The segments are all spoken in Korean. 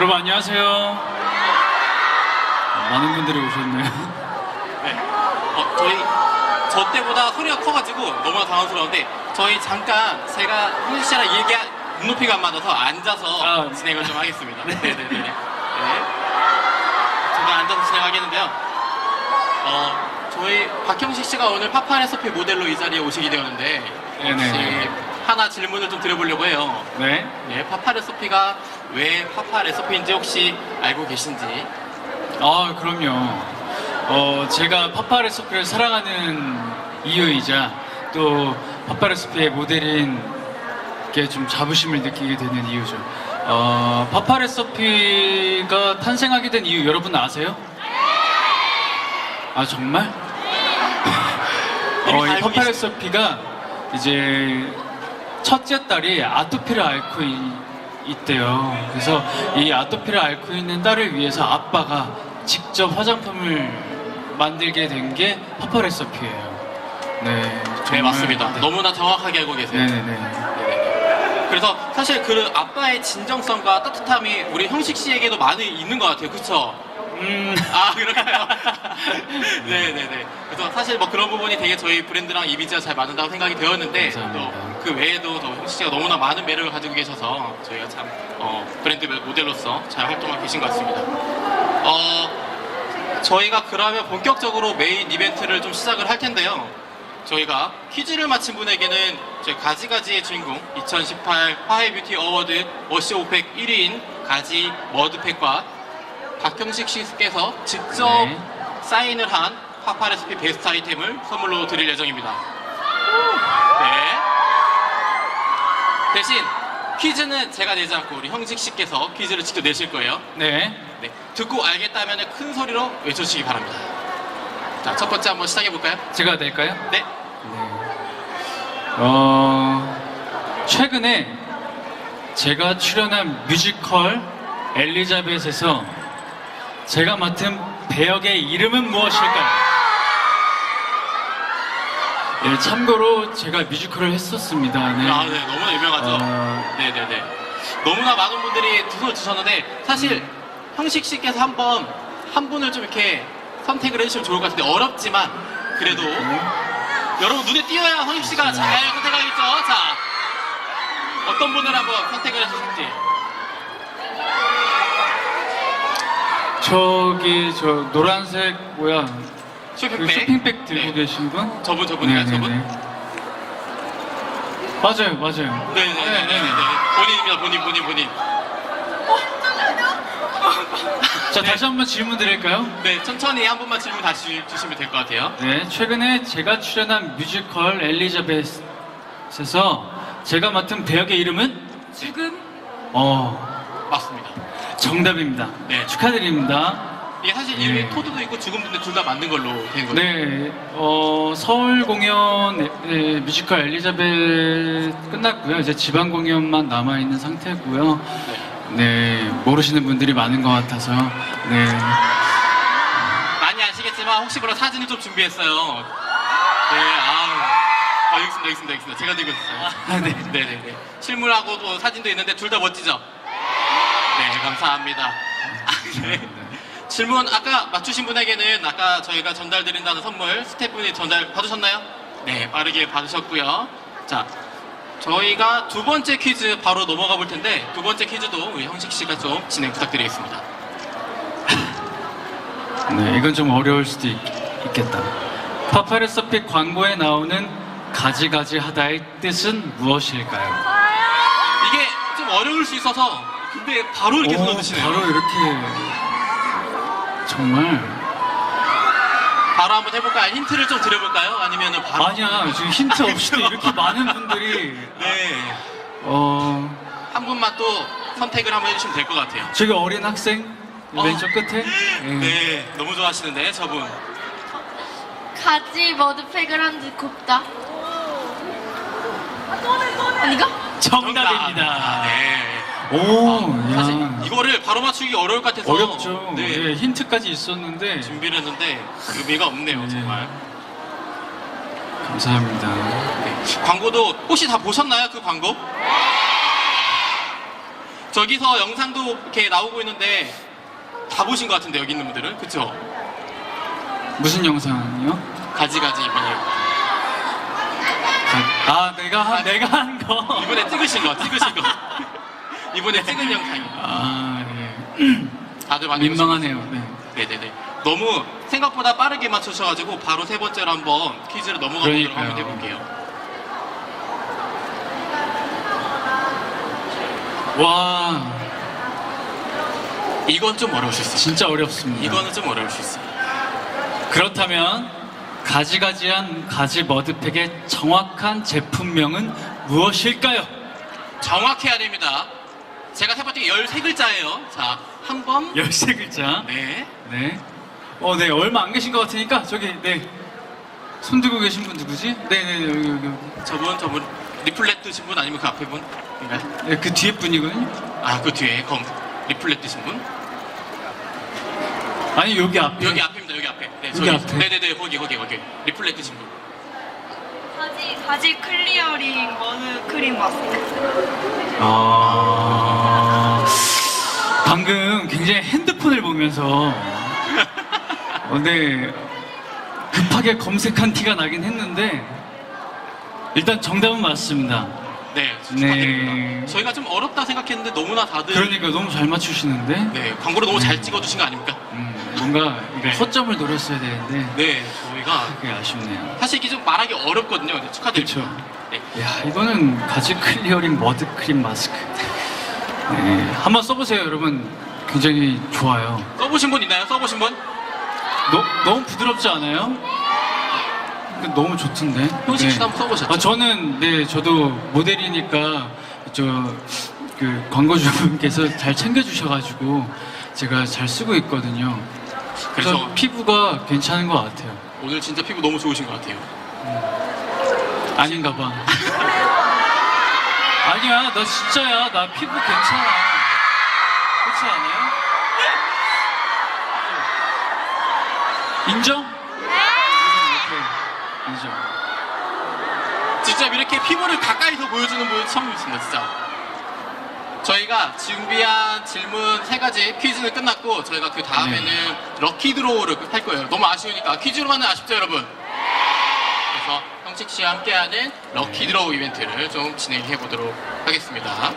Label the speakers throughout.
Speaker 1: 여러분 안녕하세요. 많은 분들이 오셨네요.
Speaker 2: 네. 저 때보다 소리가 커가지고 너무나 당황스러운데 저희 잠깐 제가 형식 씨랑 눈높이가 안 맞아서 앉아서 진행을 좀 하겠습니다. 네네네. 네. 제가 앉아서 진행하겠는데요. 저희 박형식 씨가 오늘 파파레서피 모델로 이 자리에 오시게 되었는데 혹시 하나 질문을 좀 드려보려고 해요.
Speaker 1: 네.
Speaker 2: 네, 파파레서피가 왜 파파레서피인지 혹시 알고 계신지?
Speaker 1: 그럼요. 제가 파파레서피를 사랑하는 이유이자 또 파파레서피의 모델인 게 좀 자부심을 느끼게 되는 이유죠. 파파레서피가 탄생하게 된 이유 여러분 아세요? 아 정말? 이 파파레서피가 이제 첫째 딸이 아토피를 앓고 있대요. 그래서 이 아토피를 앓고 있는 딸을 위해서 아빠가 직접 화장품을 만들게 된 게 파파레서피예요. 네,
Speaker 2: 네, 맞습니다.
Speaker 1: 네.
Speaker 2: 너무나 정확하게 알고 계세요.
Speaker 1: 네네네.
Speaker 2: 그래서 사실 그 아빠의 진정성과 따뜻함이 우리 형식 씨에게도 많이 있는 것 같아요. 그쵸? 아, 그럴까요? 네네네. 그래서 사실 뭐 그런 부분이 되게 저희 브랜드랑 이미지가 잘 맞는다고 생각이 되었는데, 또 그 외에도 또 형식 씨가 너무나 많은 매력을 가지고 계셔서 저희가 참, 브랜드 모델로서 잘 활동하고 계신 것 같습니다. 저희가 그러면 본격적으로 메인 이벤트를 좀 시작을 할 텐데요. 저희가 퀴즈를 맞힌 분에게는 저희 가지가지의 주인공 2018 화해 뷰티 어워드 워시 오펙 1위인 가지 머드팩과 박형식 씨께서 직접 사인을 한 파파레스피 베스트 아이템을 선물로 드릴 예정입니다. 네. 대신 퀴즈는 제가 내지 않고 우리 형식 씨께서 퀴즈를 직접 내실 거예요.
Speaker 1: 네.
Speaker 2: 네. 듣고 알겠다면 큰 소리로 외쳐주시기 바랍니다. 자, 첫 번째 한번 시작해 볼까요?
Speaker 1: 제가 될까요?
Speaker 2: 네.
Speaker 1: 최근에 제가 출연한 뮤지컬 엘리자벳에서 제가 맡은 배역의 이름은 무엇일까요? 네, 참고로 제가 뮤지컬을 했었습니다. 네.
Speaker 2: 아, 네, 너무나 유명하죠. 네네네. 너무나 많은 분들이 두 손을 주셨는데 사실 형식 씨께서 한 분을 좀 이렇게 선택을 해주시면 좋을 것 같은데 어렵지만 그래도 여러분 눈에 띄어야 형식 씨가 잘 선택하겠죠. 자, 어떤 분을 한번 선택을 해주실지.
Speaker 1: 저 노란색
Speaker 2: 쇼핑백.
Speaker 1: 그 쇼핑백 들고
Speaker 2: 네.
Speaker 1: 계신 분?
Speaker 2: 저분인가요,
Speaker 1: 네네네.
Speaker 2: 저분?
Speaker 1: 맞아요.
Speaker 2: 네네네. 본인.
Speaker 1: 자, 다시 한번 질문 드릴까요?
Speaker 2: 네, 천천히 한 번만 질문 다시 주시면 될 것 같아요.
Speaker 1: 네, 최근에 제가 출연한 뮤지컬 엘리자벳에서 제가 맡은 배역의 이름은?
Speaker 3: 죽음?
Speaker 2: 맞습니다.
Speaker 1: 정답입니다.
Speaker 2: 네.
Speaker 1: 축하드립니다.
Speaker 2: 이게 사실 이름이 토드도 있고 죽음도 둘 다 맞는 걸로 된 거죠.
Speaker 1: 네, 서울 공연 뮤지컬 엘리자벳 끝났고요. 이제 지방 공연만 남아있는 상태고요. 네, 모르시는 분들이 많은 것 같아서 네.
Speaker 2: 많이 아시겠지만 혹시 몰라 사진을 좀 준비했어요. 네, 여기 있습니다. 제가 들고 있었어요. 네네네. 실물하고 또 사진도 있는데 둘 다 멋지죠? 네, 감사합니다. 네. 질문 아까 맞추신 분에게는 아까 저희가 전달드린다는 선물 스태프분이 전달 받으셨나요? 네, 빠르게 받으셨고요. 자, 저희가 두 번째 퀴즈 바로 넘어가 볼 텐데 두 번째 퀴즈도 우리 형식 씨가 좀 진행 부탁드리겠습니다.
Speaker 1: 네, 이건 좀 어려울 수도 있겠다. 파파레서피 광고에 나오는 가지가지 하다의 뜻은 무엇일까요?
Speaker 2: 이게 좀 어려울 수 있어서 근데 바로 이렇게 손을 드시네요.
Speaker 1: 바로 이렇게 정말
Speaker 2: 바로 한번 해볼까요? 힌트를 좀 드려볼까요? 아니면은 바로
Speaker 1: 아니야, 지금 힌트 없이도 이렇게 많은 분들이
Speaker 2: 네.
Speaker 1: 한
Speaker 2: 분만 또 선택을 한번 해주시면 될 것 같아요.
Speaker 1: 저기 어린 학생 왼쪽 끝에
Speaker 2: 네, 너무 좋아하시는데 저분.
Speaker 3: 가지 머드팩을 한 듯 곱다. 아니가?
Speaker 1: 정답입니다.
Speaker 2: 네.
Speaker 1: 오,
Speaker 2: 사실
Speaker 1: 야,
Speaker 2: 이거를 바로 맞추기 어려울 것 같아서
Speaker 1: 어렵죠.
Speaker 2: 네.
Speaker 1: 예, 힌트까지 있었는데
Speaker 2: 준비를 했는데 의미가 없네요,
Speaker 1: 네.
Speaker 2: 정말.
Speaker 1: 감사합니다.
Speaker 2: 네. 광고도 혹시 다 보셨나요, 그 광고? 저기서 영상도 이렇게 나오고 있는데 다 보신 것 같은데 여기 있는 분들은 그쵸?
Speaker 1: 무슨 영상이요?
Speaker 2: 가지가지 이번에
Speaker 1: 내가 한 거.
Speaker 2: 이번에 찍으신 거 이번에 찍은 영상이에요.
Speaker 1: 아, 네.
Speaker 2: 다들 많이
Speaker 1: 민망하네요.
Speaker 2: 보시고
Speaker 1: 네.
Speaker 2: 네네네. 너무 생각보다 빠르게 맞추셔가지고 바로 세 번째로 한번 퀴즈를 넘어가 보도록
Speaker 1: 그러니까요.
Speaker 2: 한번 해볼게요.
Speaker 1: 와,
Speaker 2: 이건 좀 어려우실 수 있어요.
Speaker 1: 진짜 어렵습니다.
Speaker 2: 이거는 좀 어려울 수 있어요.
Speaker 1: 그렇다면 가지가지한 가지 머드팩의 정확한 제품명은 무엇일까요?
Speaker 2: 정확해야 됩니다. 제가 세 번째 13글자예요. 자, 한 번.
Speaker 1: 13글자.
Speaker 2: 네.
Speaker 1: 네. 네, 얼마 안 계신 것 같으니까 저기, 네. 손 들고 계신 분 누구지? 네네, 여기.
Speaker 2: 저분 리플렛 드신 분 아니면 그 앞에 분인가요?
Speaker 1: 네, 그 뒤에 분이거든요.
Speaker 2: 아, 그 뒤에 리플렛 드신 분?
Speaker 1: 아니, 여기 앞에.
Speaker 2: 여기 앞입니다. 여기 앞에. 네,
Speaker 1: 여기 앞에?
Speaker 2: 네네네. 거기. 리플렛 드신 분.
Speaker 4: 가지 클리어링 머드 크림 마스크.
Speaker 1: 방금 굉장히 핸드폰을 보면서 네, 급하게 검색한 티가 나긴 했는데 일단 정답은 맞습니다.
Speaker 2: 네, 축하드립니다.
Speaker 1: 네.
Speaker 2: 저희가 좀 어렵다 생각했는데 너무나 다들
Speaker 1: 그러니까 너무 잘 맞추시는데
Speaker 2: 네, 광고를 너무 잘 찍어주신 거 아닙니까?
Speaker 1: 뭔가 이거
Speaker 2: 네.
Speaker 1: 허점을 노렸어야 되는데
Speaker 2: 네, 저희가
Speaker 1: 그게 아쉽네요.
Speaker 2: 사실 이게 좀 말하기 어렵거든요. 네, 축하드립니다.
Speaker 1: 그렇죠.
Speaker 2: 네.
Speaker 1: 야, 이거는 가지 클리어링 머드 크림 마스크. 네, 한번 써보세요, 여러분. 굉장히 좋아요.
Speaker 2: 써보신 분 있나요? 써보신 분?
Speaker 1: 너무 부드럽지 않아요? 너무 좋던데.
Speaker 2: 형식 씨도 한번 써보셨죠?
Speaker 1: 저도 모델이니까 그 광고주분께서 잘 챙겨주셔가지고 제가 잘 쓰고 있거든요. 그래서
Speaker 2: 그래서
Speaker 1: 피부가 괜찮은 것 같아요.
Speaker 2: 오늘 진짜 피부 너무 좋으신 것 같아요.
Speaker 1: 아닌가 봐. 아니야, 나 진짜야. 나 피부 괜찮아. 그렇지 않아요? 인정? 오케이. 인정.
Speaker 2: 직접 이렇게 피부를 가까이서 보여주는 분 처음이었습니다, 진짜. 저희가 준비한 질문 3가지 퀴즈는 끝났고 저희가 그 다음에는 럭키 드로우를 할 거예요. 너무 아쉬우니까 퀴즈로만은 아쉽죠, 여러분? 그래서 형식 씨와 함께하는 럭키 드로우 이벤트를 좀 진행해 보도록 하겠습니다.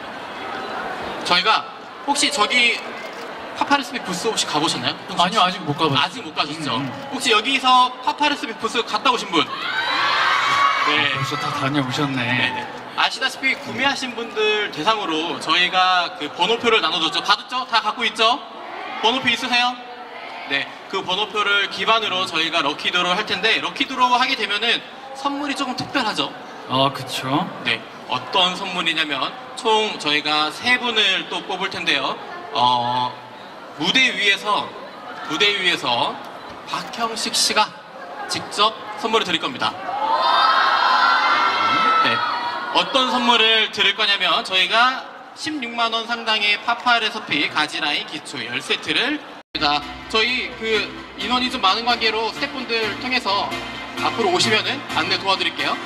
Speaker 2: 저희가 혹시 저기 파파르스빅 부스 혹시 가보셨나요? 형식 씨?
Speaker 1: 아니요, 아직 못 가봤어요.
Speaker 2: 아직 못 가셨죠? 혹시 여기서 파파르스빅 부스 갔다 오신 분? 네.
Speaker 1: 벌써 다 다녀오셨네.
Speaker 2: 네네. 아시다시피 구매하신 분들 대상으로 저희가 그 번호표를 나눠줬죠. 받았죠? 다 갖고 있죠? 번호표 있으세요? 네. 그 번호표를 기반으로 저희가 럭키드로우 할 텐데 럭키드로우 하게 되면은 선물이 조금 특별하죠.
Speaker 1: 그쵸.
Speaker 2: 네. 어떤 선물이냐면 총 저희가 3분을 또 뽑을 텐데요. 무대 위에서 박형식 씨가 직접 선물을 드릴 겁니다. 네. 어떤 선물을 드릴 거냐면 저희가 16만 원 상당의 파파레서피 가지라인 기초 10세트를 저희 그 인원이 좀 많은 관계로 스태프분들 통해서 앞으로 오시면은 안내 도와드릴게요.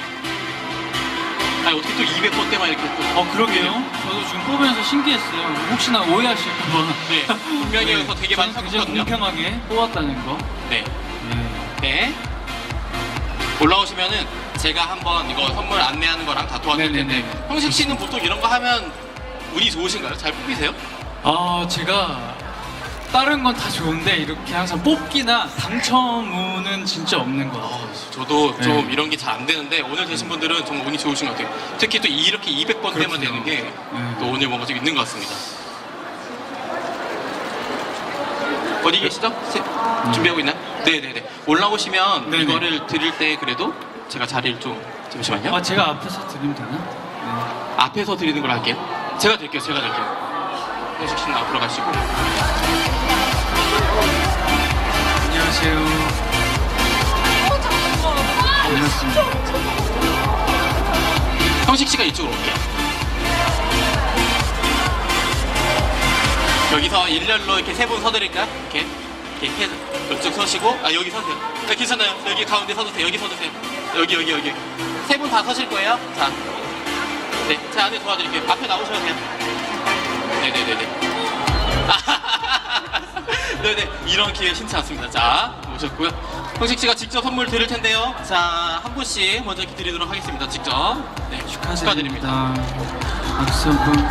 Speaker 2: 아니 어떻게 또 200번대만 이렇게 또
Speaker 1: 그러게요. 저도 지금 뽑으면서 신기했어요. 혹시나 오해하실까봐.
Speaker 2: 네. 분명히 여기서 되게 많이
Speaker 1: 저는 굉장히
Speaker 2: 샀거든요.
Speaker 1: 공평하게 뽑았다는 거.
Speaker 2: 네.
Speaker 1: 네.
Speaker 2: 네. 올라오시면은 제가 한번 이거 선물 안내하는 거랑 다 도와드릴 텐데
Speaker 1: 네네네.
Speaker 2: 형식 씨는 보통 이런 거 하면 운이 좋으신가요? 잘 뽑히세요?
Speaker 1: 제가 다른 건 다 좋은데 이렇게 항상 뽑기나 당첨운은 진짜 없는 것 같아요.
Speaker 2: 저도
Speaker 1: 네.
Speaker 2: 좀 이런 게 잘 안 되는데 오늘 되신 분들은 정말 운이 좋으신 것 같아요. 특히 또 이렇게 200번대만
Speaker 1: 그렇군요.
Speaker 2: 되는 게 또
Speaker 1: 네.
Speaker 2: 오늘 뭔가 좀 있는 것 같습니다. 어디 계시죠? 준비하고 있나요? 네네네. 올라오시면
Speaker 1: 네네.
Speaker 2: 이거를 드릴 때 그래도 제가 자리를 좀 잠시만요.
Speaker 1: 제가 앞에서 드리면 되나? 네.
Speaker 2: 앞에서 드리는 걸 할게요. 제가 드릴게요. 형식 씨는 앞으로 가시고.
Speaker 1: 안녕하세요. 반갑습니다.
Speaker 2: 형식 씨가 이쪽으로 올게요. 여기서 일렬로 이렇게 3분 서드릴까요? 이렇게 이쪽 서시고 여기 서세요. 괜찮아요. 여기 가운데 서주세요. 여기 서주세요. 여기 3분 다 서실 거예요. 자, 네, 제 안에 도와드릴게요. 앞에 나오셔도 돼요. 네네네네. 네네, 이런 기회 흔치 않습니다. 자, 오셨고요. 형식 씨가 직접 선물 드릴 텐데요. 자, 한 분씩 먼저 이렇게 드리도록 하겠습니다. 직접. 네, 축하드립니다.
Speaker 1: 박수 한번.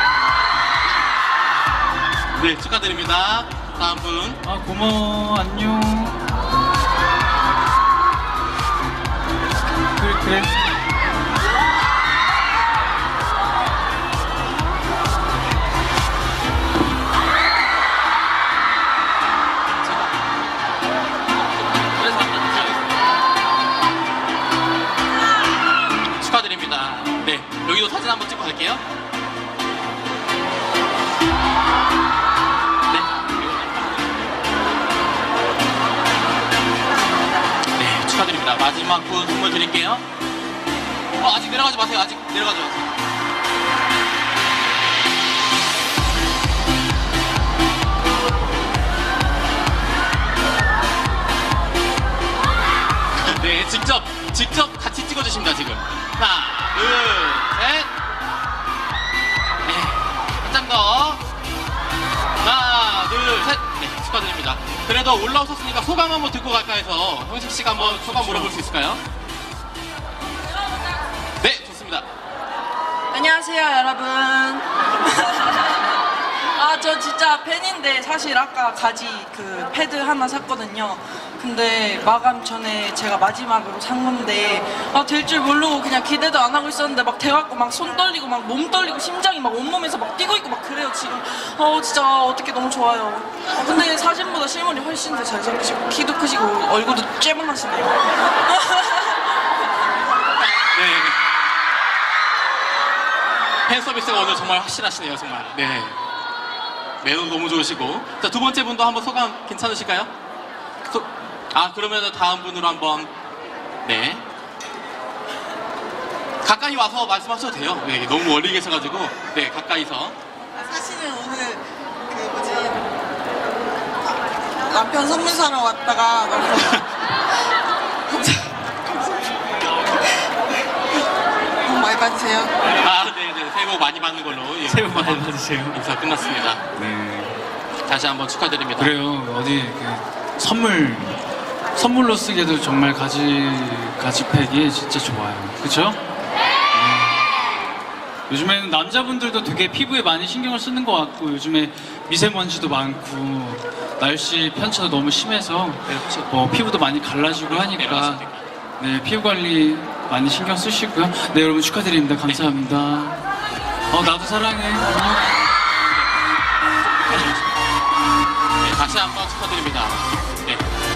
Speaker 2: 네, 축하드립니다. 다음 분.
Speaker 1: 아, 고마워. 안녕. 그래.
Speaker 2: 축하드립니다. 네, 여기도 사진 한번 찍고 갈게요. 네, 축하드립니다. 마지막 분 선물 드릴게요. 아직 내려가지 마세요. 아직 내려가지 마세요. 네, 직접 같이 찍어주십니다, 지금. 하나, 둘, 셋. 네, 한 장 더. 하나, 둘, 셋. 네, 축하드립니다. 그래도 올라오셨으니까 소감 한번 듣고 갈까 해서 형식 씨가 한번 소감 물어볼 수 있을까요? 네, 좋습니다.
Speaker 5: 안녕하세요, 여러분. 저 진짜 팬인데 사실 아까 가지 그 패드 하나 샀거든요. 근데 마감 전에 제가 마지막으로 산 건데 될 줄 모르고 그냥 기대도 안 하고 있었는데 막 돼갖고 막 손 떨리고 막 몸 떨리고 심장이 막 온몸에서 막 뛰고 있고 막 그래요 지금. 진짜 어떻게 너무 좋아요. 근데 사진보다 실물이 훨씬 더 잘생기시고 키도 크시고 얼굴도 쬐만하시네요.
Speaker 2: 네. 팬 서비스가 오늘 정말 확실하시네요, 정말. 네. 매너 너무 좋으시고. 자, 두 번째 분도 한번 소감 괜찮으실까요? 그러면 다음 분으로 한번. 네. 가까이 와서 말씀하셔도 돼요. 네, 너무 멀리 계셔가지고. 네, 가까이서.
Speaker 5: 사실은 오늘 그 뭐지 남편 선물 사러 왔다가 복 많이 받으세요.
Speaker 2: 네네. 새해 복 많이 받는 걸로. 예.
Speaker 1: 새해 복 많이 받으세요.
Speaker 2: 인사 끝났습니다.
Speaker 1: 네.
Speaker 2: 다시 한번 축하드립니다.
Speaker 1: 그래요. 어디 선물로 쓰기에도 정말 가지팩이 진짜 좋아요. 그쵸? 요즘에는 남자분들도 되게 피부에 많이 신경을 쓰는 것 같고 요즘에 미세먼지도 많고 날씨 편차도 너무 심해서 피부도 많이 갈라지고 하니까 네, 피부 관리 많이 신경 쓰시고요. 네, 여러분 축하드립니다. 감사합니다. 나도 사랑해. 안녕.
Speaker 2: 네, 다시 한번 축하드립니다. 네.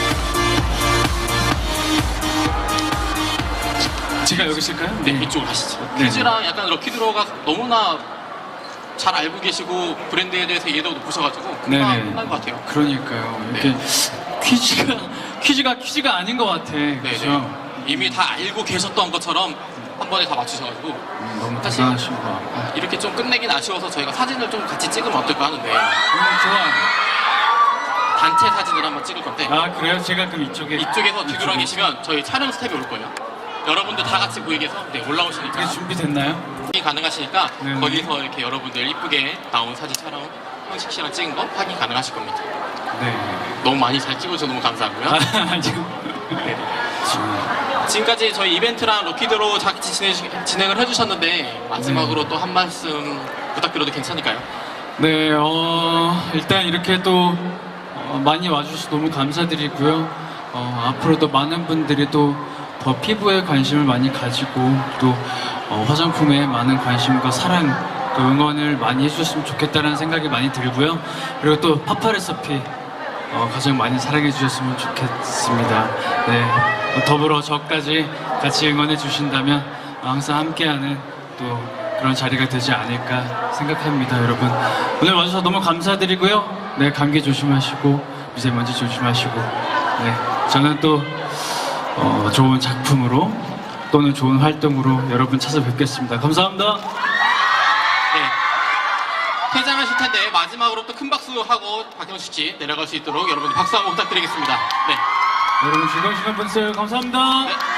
Speaker 1: 제가 여기 있을까요?
Speaker 2: 네, 이쪽으로 가시죠.
Speaker 1: 네.
Speaker 2: 퀴즈랑 약간 럭키드로가 너무나 잘 알고 계시고 브랜드에 대해서 이해도 높으셔가지고 금방 끝난 것 같아요.
Speaker 1: 그러니까요. 이렇게 퀴즈가 아닌 것 같아. 그죠?
Speaker 2: 네. 이미 다 알고 계셨던 것처럼 한 번에 다 맞추셔가지고
Speaker 1: 너무
Speaker 2: 사실
Speaker 1: 대단하신 것 같고.
Speaker 2: 이렇게 좀 끝내긴 아쉬워서 저희가 사진을 좀 같이 찍으면 어떨까 하는데
Speaker 1: 좋아요.
Speaker 2: 단체 사진을 한번 찍을 건데
Speaker 1: 그래요? 제가 그럼
Speaker 2: 이쪽에서 뒤돌아 계시면 저희 촬영 스텝이 올 거예요. 여러분들 다 같이 보이게 해서 올라오시니까
Speaker 1: 그게 준비됐나요?
Speaker 2: 가능하시니까
Speaker 1: 네.
Speaker 2: 거기서 이렇게 여러분들 이쁘게 나온 사진 촬영 형식 씨랑 찍은 거 확인 가능하실 겁니다.
Speaker 1: 네.
Speaker 2: 너무 많이 잘 찍어주셔서 너무 감사하고요. 지금까지 저희 이벤트랑 럭키드로 같이 진행을 해주셨는데 마지막으로 또 한 말씀 부탁드려도 괜찮을까요?
Speaker 1: 네, 일단 이렇게 또 많이 와주셔서 너무 감사드리고요. 앞으로도 많은 분들이 또 더 피부에 관심을 많이 가지고 또 화장품에 많은 관심과 사랑 또 응원을 많이 해주셨으면 좋겠다는 생각이 많이 들고요. 그리고 또 파파레서피 가장 많이 사랑해 주셨으면 좋겠습니다. 네, 더불어 저까지 같이 응원해 주신다면 항상 함께하는 또 그런 자리가 되지 않을까 생각합니다. 여러분 오늘 와주셔서 너무 감사드리고요. 네, 감기 조심하시고 미세먼지 조심하시고 네, 저는 또 좋은 작품으로 또는 좋은 활동으로 여러분 찾아뵙겠습니다. 감사합니다.
Speaker 2: 네. 퇴장하실 텐데 마지막으로 또 큰 박수 하고 박형식 씨 내려갈 수 있도록 여러분 박수 한번 부탁드리겠습니다. 네.
Speaker 1: 여러분 즐거운 시간 보내세요. 감사합니다.
Speaker 2: 네.